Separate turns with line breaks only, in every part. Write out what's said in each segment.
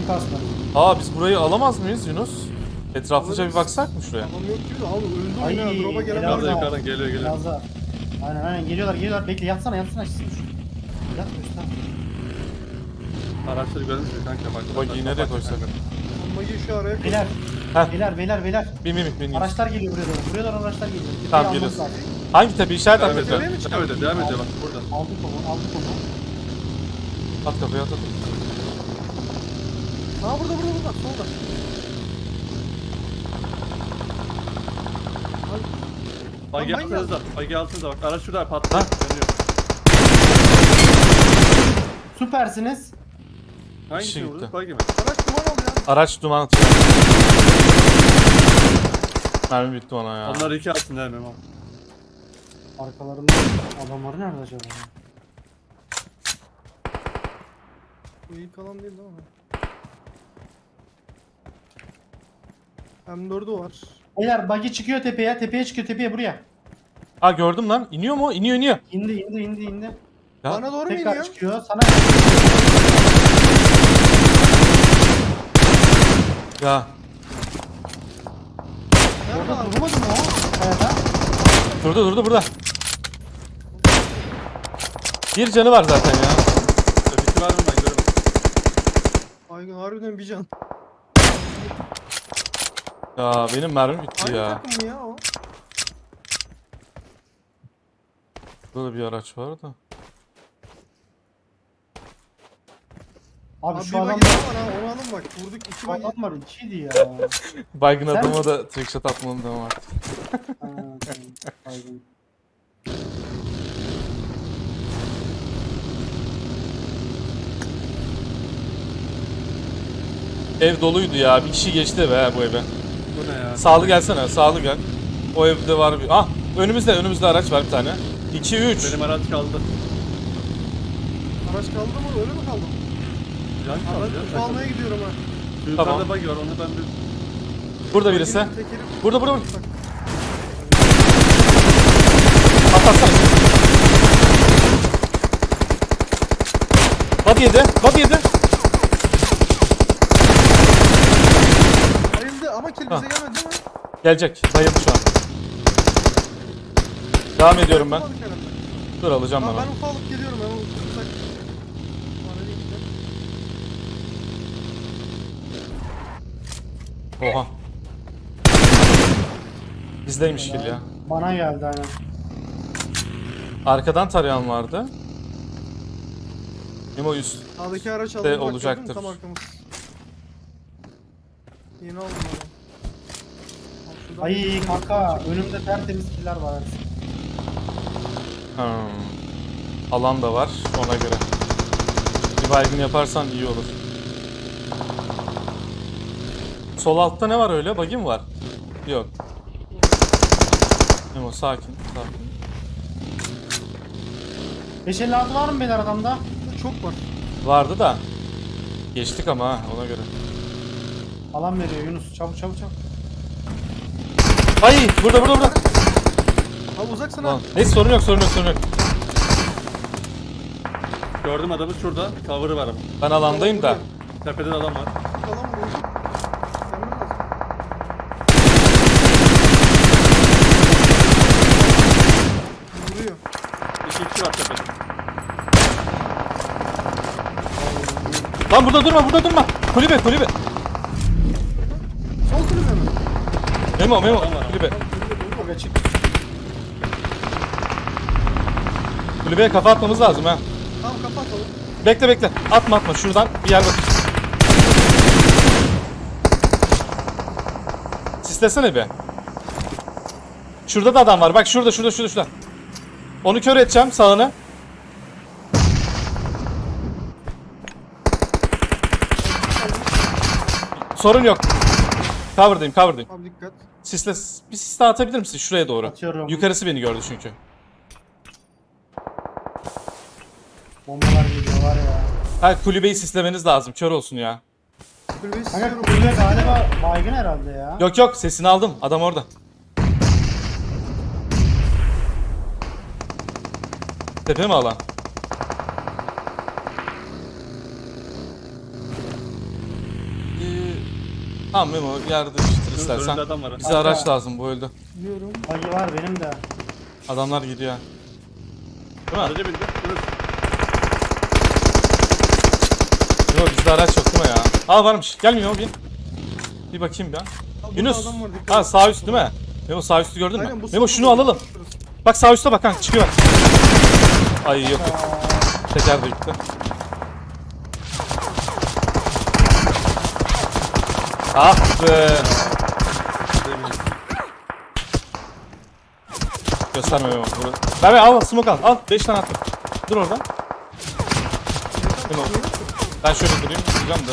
Full kasma.
Aa biz burayı alamaz mıyız Yunus? Etraflıca bir baksak mı şuraya?
Adam yok gibi de abi öldü
Ay,
oyuna. Drop'a gelen
helal
var.
olsun.
Yukarıdan geliyor.
Biraz daha. Aynen geliyorlar. Bekle yatsana. Yat göster.
Araçları görmüş mü kanka?
Bak yine nereye koysak?
Magi şu araya koy.
Beyler.
Heh.
Beyler.
Bin.
Araçlar geliyor buraya doğru. Buraya doğru araçlar geliyor. Tepeyi
Tamam,
almamız
geliyoruz.
lazım.
Hangi tepe işaret at
Devam et,
lütfen.
devam et bak burada.
Aldık onu.
At kafaya at.
Aa burada solda.
Bagi
Lan
altınızda. Bagi altınızda bak. Araç şurada
Ha?
patlıyor. Dönüyor.
Süpersiniz.
Hangisini
gitti.
vurdu? Bagi mi?
Araç duman alıyor.
Araç duman atıyor. Mermi bitti ona ya.
Onlar iki altın değil mi?
Arkalarında adamları nerede acaba?
Bu ilk alan değil mi? M4'ü var.
Beyler buggy çıkıyor tepeye. Tepeye çıkıyor buraya.
Ha gördüm lan. İniyor mu? İniyor.
İndi.
Ya,
Bana doğru mu
Tekrar
iniyor?
çıkıyor. Sana
ya.
Nerede
orada
abi?
durmadı mı o? Kayada.
Durdu burada. Bir canı var zaten ya.
Bitti var mı ben göremedim.
Aygın harbiden bir can.
Ya benim mermi bitti
Aynı
ya.
takım mı ya o?
Burada bir araç var da.
Abi
Abi
şu
bir
adam
bagi daha var ha onu alın bak. Vurduk iki
şu
bagi.
adam var 2'ydi ya.
Baygın
Sen-
adama da trickshot atmalım devam artık.
Ha, tamam. Baygın.
Ev doluydu ya. Bir kişi geçti be bu eve.
Bu ne ya?
Sağlı gelsene. Sağlı gel. O evde var bir. Ah önümüzde araç var bir tane. 2 3.
Benim araç kaldı.
Araç kaldı mı? Öyle mi kaldı?
Can kaldı
Araç
ya.
almaya gidiyorum ha.
Şu yukarıda
Tamam.
bagi var onu ben bir...
Burada birisi.
Baginin tekeri-
Burada.
Bak,
Atlatsana. Body yedi.
Bayıldı ama kill
Ha.
bize gelmedi değil mi?
Gelecek. Bayıldı şu an. Devam ediyorum ben.
Yapamadık herhalde.
Dur alacağım
Tamam,
ben
ben
onu.
ufa alıp geliyorum hemen uzak. Bana değil de.
Oha. Bizdeymiş kill ya.
Bana geldi aynen.
Arkadan tarayan vardı. Memo üst.
Sağdaki araç aldım. bak,
olacaktır.
gördün mü? Tam arkamız. Yeni aldım adam. Al şuradan
Ay
bir-
kanka önümde tertemiz killer var.
Alan da var ona göre. Bir baygın yaparsan iyi olur. Sol altta ne var öyle? Buggy mi var? Yok. Memo sakin.
556 var mı beyler adamda?
Çok var.
Vardı da. Geçtik ama ha ona göre.
Alan veriyor Yunus. Çabuk.
Ay burada.
Abi uzaksın ha.
Lan, neyse sorun yok.
Gördüm adamı şurada. Cover'ı var ama.
Ben alandayım da.
Tepeden adam var.
Falan vurdu. Gelmem lazım. Vuruyor.
İki kişi var tepede.
Lan burada durma. Kulübe.
Sol kulübe mi?
Memo
var.
kulübe.
Aga çık.
Kulübeye kafa atmamız lazım ha.
Tamam kapatalım.
Bekle. Atma. Şuradan bir yer bak. Sislesene bir. Şurada da adam var. Bak şurada. Onu kör edeceğim sağını. Sorun yok. Cover'dayım.
Abi dikkat.
Sisle, bir sis daha atabilir misin şuraya doğru?
Atıyorum.
Yukarısı beni gördü çünkü.
Bombalar geliyor var ya.
Ha kulübeyi sislemeniz lazım. Kör olsun ya.
Kulübeyi
Kanka
siliyorum.
kulübe galiba baygın herhalde ya.
Yok sesini aldım. Adam orada. Tepe mi alan? Tamam Memo yerde düştür
Önünde
istersen.
adam var.
Bize araç lazım, bu öldü.
Biliyorum.
Bagi var benim de.
Adamlar gidiyor. Değil mi?
Araca bindi. Dur.
Yok bizde araç yok değil mi ya? Aa varmış. Gel Memo bin. Bir bakayım ya.
Burada
Yunus.
adam var, dikkat
Ha
et.
sağ üst değil mi? Memo sağ üstü gördün mü?
Aynen, bu
Memo
sağ
şunu
tarafı.
alalım. Bak sağ üstte bak kanka çıkıyor bak. Ay yok yok. Teker de gitti. Ah be. Gösterme Memo. Ver al smoke al. Al 5 tane attım. Dur orada. Memo. Ben şöyle durayım. Duracağım da.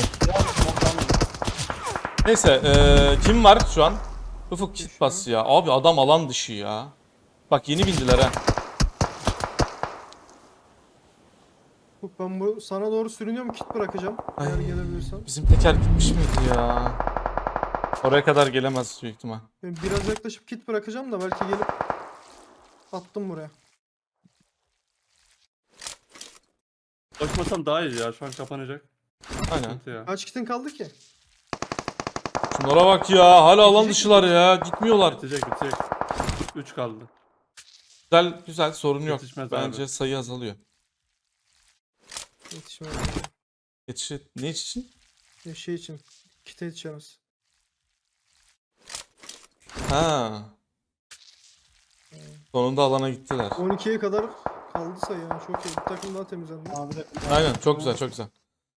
Neyse kim var şu an? Ufuk kit bas ya. Abi adam alan dışı ya. Bak yeni bindiler ha.
Bak ben bu sana doğru sürünüyorum, kit bırakacağım.
Ay.
Eğer gelebilirsen.
Bizim teker gitmiş miydi ya? Oraya kadar gelemez büyük ihtimal.
Ben biraz yaklaşıp kit bırakacağım da belki gelip attım buraya.
Koşmasam daha iyi ya. Şu an kapanacak.
Aynen.
Sıkıntı ya.
Kaç kitin kaldı ki?
Şunlara bak ya. Hala alan
Bitecek
dışılar ya. Gitmiyorlar.
Bitecek. 3 kaldı.
Güzel güzel sorun yok.
Yetişmez
Bence
abi.
sayı azalıyor.
Yetişmedi.
Ne için?
Ya şey için. Kite yetişemez.
Ha. Sonunda alana gittiler.
12'ye kadar kaldı sayı yani, çok iyi. Bir takım daha temizlendi.
Abi de.
Aynen çok güzel çok güzel.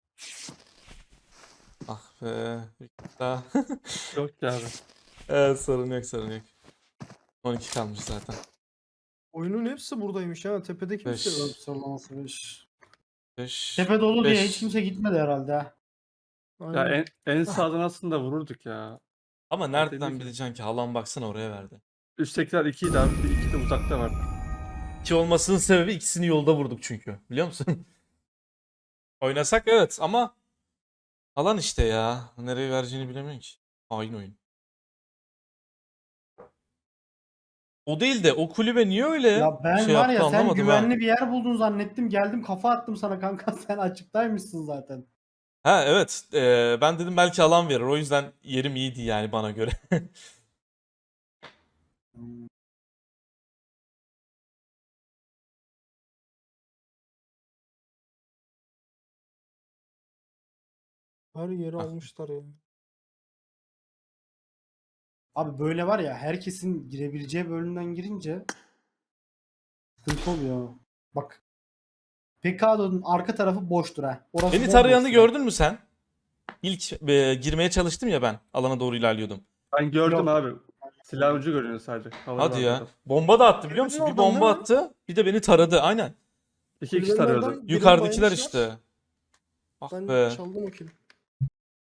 Ah be. Daha.
Yok ki abi.
Evet sorun yok sorun yok. 12 kalmış zaten.
Oyunun hepsi buradaymış ya. Tepede kimse
Beş.
yok.
Sıralaması 5.
5.
Tepe dolu diye
Beş.
hiç kimse gitmedi herhalde ha.
Ya
Aynen.
en sağdan aslında vururduk ya.
Ama nereden
Dedik ya.
bileceksin ki? Halan baksana oraya verdi.
Üsttekiler 2'ydi abi. Bir 2 de uzakta vardı.
2 olmasının sebebi ikisini yolda vurduk çünkü. Biliyor musun? Oynasak evet ama alan işte ya. Nereye vereceğini bilemiyorum ki. Hain oyun. O değil de o kulübe niye öyle
Ya ben
şey
var
yaptı
ya sen
anlamadım
güvenli
ha.
bir yer buldun zannettim. Geldim kafa attım sana kanka. Sen açıktaymışsın zaten.
Ha evet. Ben dedim belki alan verir. O yüzden yerim iyiydi yani bana göre.
Her yeri
Ah.
almışlar ya.
Abi böyle var ya herkesin girebileceği bölümden girince sıkıntı oluyor. Bak. Pekado'nun arka tarafı boştur ha. Orası
Beni
bomboş
tarayanı
ya.
gördün mü sen? İlk girmeye çalıştım ya ben. Alana doğru ilerliyordum.
Ben gördüm
Yok.
abi. Silah ucu görünüyor sadece. Havada
Hadi
var
ya.
burada.
Bomba da attı biliyor musun?
Kulübenin
Bir
oradan
bomba
değil mi?
attı. Bir de beni taradı. Aynen.
2 kişi
Kulübenin
tarıyordu.
oradan birini
Yukarıdakiler
baymışlar.
işte. Ah
Ben
be.
çaldım o kili.